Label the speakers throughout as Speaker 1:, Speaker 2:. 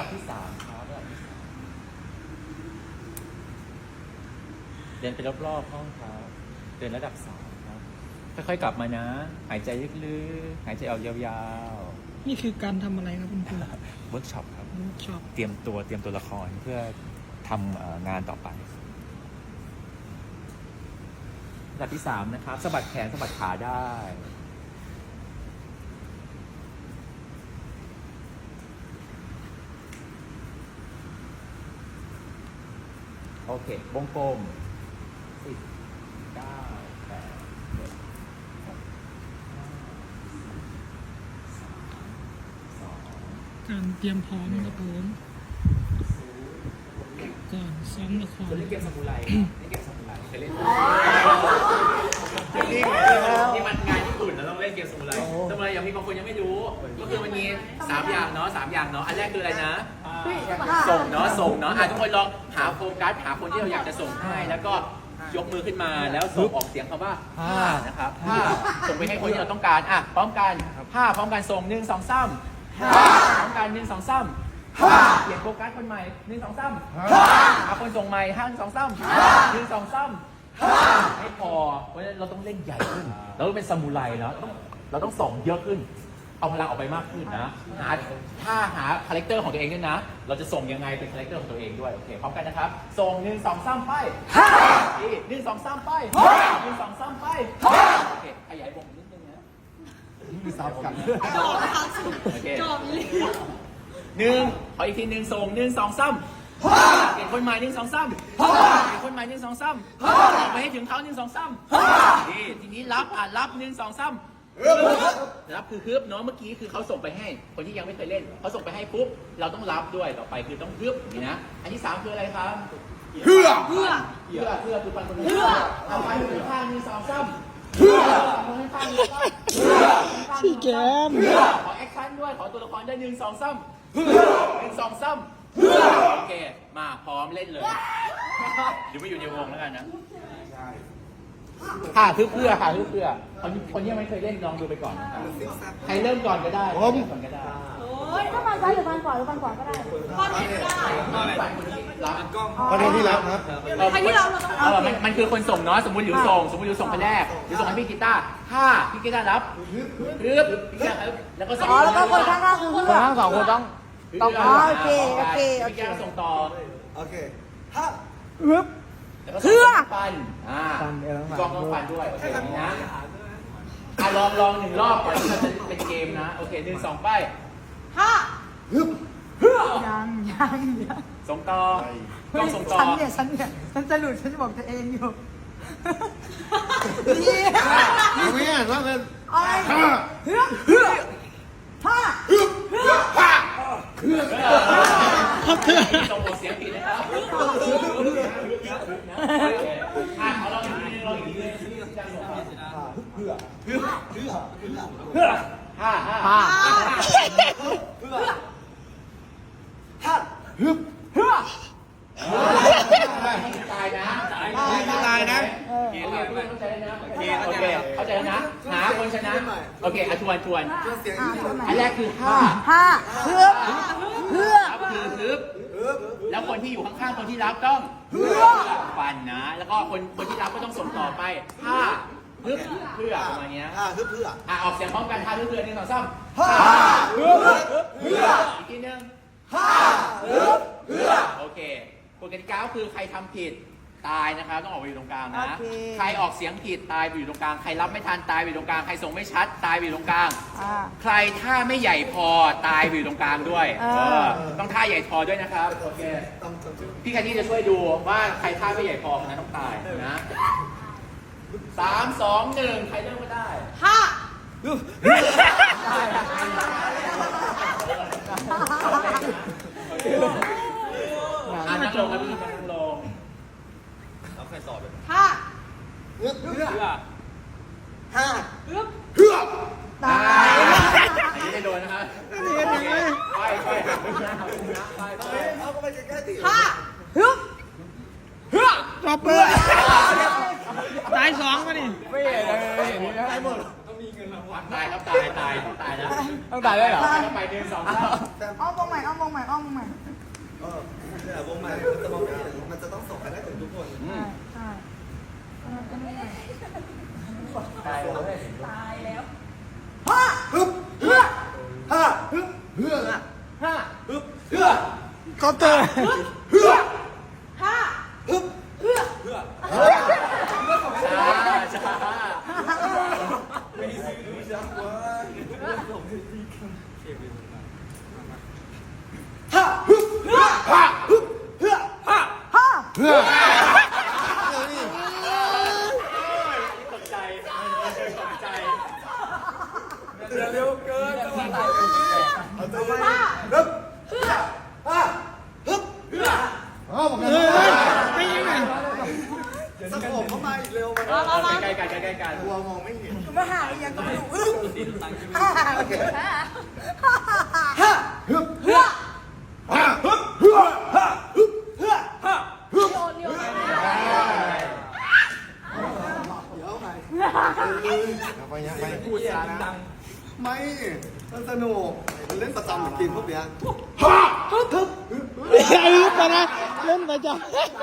Speaker 1: ที่3ครับระดับที่3เดินไปรอบๆห้องครับเดินระดับ3ครับค่อยๆกลับมานะหายใจลึกๆหายใจออกยาวๆ
Speaker 2: นี่คือการทำอะไรครับคุณครู
Speaker 1: เวิร์กช็อปครับ
Speaker 2: ชอบ
Speaker 1: เตรียมตัวละครเพื่อทำงานต่อไประดับที่3นะครับสะบัดแขนสะบัดขาได้โอเควงกลม10 9 8 7 6 5 4 3 2
Speaker 2: การเตรียมพร้อมครับผมก่อนซ้อมละคร
Speaker 1: เล่นเกมซามูไรเล่นเกมซามูไรเคยเล่นนี่มันงานญี่ปุ่นแล้วต้องเล่นเกมซามูไรซามูไรอย่างมีบางคนยังไม่รู้ก็คือมันมี3 อย่างเนาะ3 อย่างเนาะอันแรกคืออะไรนะส่งเนาะทุกคนลองหาโฟกัสหาคนที่เราอยากจะส่งให้แล้วก็ยกมือขึ้นมาแล้วส่งออกเสียงคำว่านะครับส่งไปให้คนที่เราต้องการพร้อมกันพร้อมกันส่ง1 2 3พร้อมกัน1 2 3เปลี่ยนโฟกัสคนใหม่1 2 3หาคนส่งใหม่5 1 2 3 1 2 3ไม่พอเพราะฉะนั้นเราต้องเล่นใหญ่ขึ้นเราต้องเป็นซามูไรเนาะเราต้องส่งเยอะขึ้นเอาพลังออกไปมากขึ้นนะถ้าหาคาแรคเตอร์ของตัวเองด้วยนะเราจะส่งยังไงเป็นคาแรคเตอร์ของตัวเองด้วยโอเคพร้อมกันนะครับส่ง1 2 3ไป1 2 3ไป1 2 3ไปโอเคขยายวงนิดนึงนะมีซับกันโอเค1ขออีกที1ส่ง1 2 3เปลี่ยนคนใหม่1 2 3เปลี่ยนคนใหม่1 2 3ออกไปให้ถึงเขา1 2 3นี่ทีนี้รับ1 2 3รับคือฮึบเนาะเมื่อกี้คือเขาส่งไปให้คนที่ยังไม่เคยเล่นเขาส่งไปให้ปุ๊บเราต้องรับด้วยต่อไปคือต้องฮึบนี่นะอันที่3คืออะไรครับเพื่อคือฟันคนนี้เอาไปถึงข้าง1 2 3เพื่อคนข้างนี้ก็
Speaker 2: พี่แกม
Speaker 1: ขอแอคชั่นด้วยขอตัวละครได้1 2 3 1 2 3โอเคมาพร้อมเล่นเลยเดี๋ยวไม่อยู่ในวงแล้วกันนะเพื่อคนที่ยังไม่เคยเล่นลองดูไปก่อนนะครับใครเริ่มก่อนก็ได้ก่อนก็ได้
Speaker 3: โอ้ยถ้าฟันซ้ายหรือฟันขวาหรือฟันขวาก็ได้ฟันไหนก็ได้
Speaker 1: คนที่รับ
Speaker 4: คนที่รับครับ
Speaker 3: ใครที่รับเราต้อง
Speaker 1: มันคือคนส่งเนาะสมมติอยู่ส่งคนแรกหรือส่งให้พี่กีตาร์ถ้าพี่กีตาร์รับแล้วก็
Speaker 3: แล้วก็คนข้างๆคือ
Speaker 2: คนทั้ง2คนต้อง
Speaker 3: โอเค
Speaker 1: พี่กีตาร์ส่งต่อ
Speaker 4: โอเคถ้า
Speaker 1: เพื่อฟันกองฟันด้วยโอเคนี้นะลอง1 รอบก่อนที่จะเป็นเกมนะโอเค1 2ไป
Speaker 3: ยัง
Speaker 1: ส่งต่อกองส่งต่อ
Speaker 3: ฉันจะหลุดฉันจะบอกตัวเองอยู่
Speaker 4: ไม่อ่านว่าเป็น
Speaker 1: ส่งเสียงผิดนะครับลองอีกทีตายนะโอเคเข้าใจแล้วนะหาคนชนะโอเคทวนอันแรกคือคือฮึบแล้วคนที่อยู่ข้างๆคนที่รับต้องฟันนะแล้วก็คนที่รับก็ต้องส่งต่อไปฮึบเพื่อประมาณนี้
Speaker 4: ฮึบเพื่อ
Speaker 1: ออกเสียงพร้อมกันฮึบเพื่อ1 2 3อีกทีนึงโอเคกฎกติกาคือใครทำผิดตายนะครับต้องออกไปอยู่ตรงกลางนะใครออกเสียงผิดตายไปอยู่ตรงกลางใครรับไม่ทันตายไปอยู่ตรงกลางใครส่งไม่ชัดตายไปอยู่ตรงกลางใครท่าไม่ใหญ่พอตายไปอยู่ตรงกลางด้วยต้องท่าใหญ่พอด้วยนะครับโอเคพี่แคนดี้จะช่วยดูว่าใครท่าไม่ใหญ่พอคนนั้นต้องตายนะ3 2 1ใครเริ่มก็ได้นั่งลงครับพี่นั่งลงแล้วใครสอบเลย
Speaker 3: เพื่อตาย
Speaker 1: อันนี้ไม่โดนนะครับไป
Speaker 4: เอาก็ไปแค่ตี
Speaker 2: จบเลยตาย2มาดิ
Speaker 1: ไม่เห็นเลยตายหมดต้องมีเงินรางวัลตายครับตายต้องตายแล้ว
Speaker 2: ต้องตายด้วยเหรอ
Speaker 1: ต้องไป1 2
Speaker 3: อ้อมวงใหม่อ้อมวงใหม่อ้อมวงใหม่
Speaker 4: แต่วงใหม่มันจะต้องส่งไปได้ถึงทุกคน
Speaker 3: ใช่
Speaker 1: ตายเลย
Speaker 4: ฮึบเฮือฮ่าฮึบเฮือฮ่าฮึบเฮือ
Speaker 2: คอปเตอร์
Speaker 4: เฮือ
Speaker 3: ห้า
Speaker 4: ฮึบ
Speaker 3: เพื่อ
Speaker 4: เฮือ
Speaker 1: ช้า
Speaker 4: ไม่ซื้อดูจักว่าฮ่าฮึบเฮือฮ่าฮึบเฮือฮ่า
Speaker 3: ห้า
Speaker 2: เพื่อ
Speaker 1: ตกใจตกใจ
Speaker 4: เร็วเกินจะมาตายเอาตัวไปฮึบเฮือฮ่าฮึบเฮืออ๋อผม
Speaker 2: ไม่ยังไง
Speaker 4: สงบเข้ามาอีกเร็วมัน
Speaker 1: ใกล้กัน
Speaker 4: กลัวมองไม่เห็น
Speaker 3: มาหายังก็ไม่รู้ห้า
Speaker 4: โอเค
Speaker 3: ห้า
Speaker 4: ฮ่าฮึบเฮือฮ่าฮึบเฮือฮ่าฮึบเฮือฮ่าฮึบ
Speaker 3: เลี้ยว
Speaker 4: เดี๋ยวไปยังไปพูดจาดังไม่มันสนุกเล่นประจำกินพวกเนี้ยฮ่าฮึบฮึบ
Speaker 2: อย่าลืมนะเล่นไปจ้ะ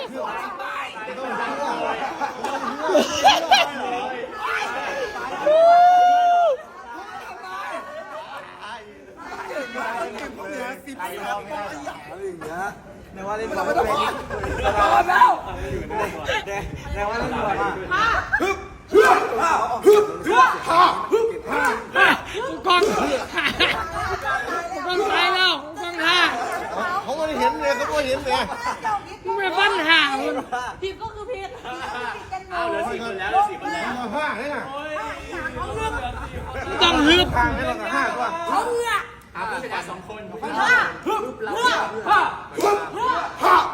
Speaker 4: ในว่าเล่นบอลไม่เป็นแล้วในว่าเล่นบอลอ่ะฮึบฮึบฮึบฮึบฮ่าฮึบฮ่าก
Speaker 2: ล้องกล้องตายแล้วกล้องท่า
Speaker 4: เขาไม่เห็นเลยเขาไม่เห็นเลย
Speaker 2: มึงไปฟันห่ามึง
Speaker 3: ผิดก็คือผิด
Speaker 1: เอาเหลือ4 คนแล้ว4 คนแล้ว
Speaker 4: ฮ่าเนี่ยนะ
Speaker 2: ต้องฮึบ
Speaker 4: ทางให้เรากับ5ตัว
Speaker 3: เขาเหงื่อ
Speaker 1: ผู้ชนะ2 คน
Speaker 3: ห้า
Speaker 4: ฮึบฮ่าฮึบฮ่า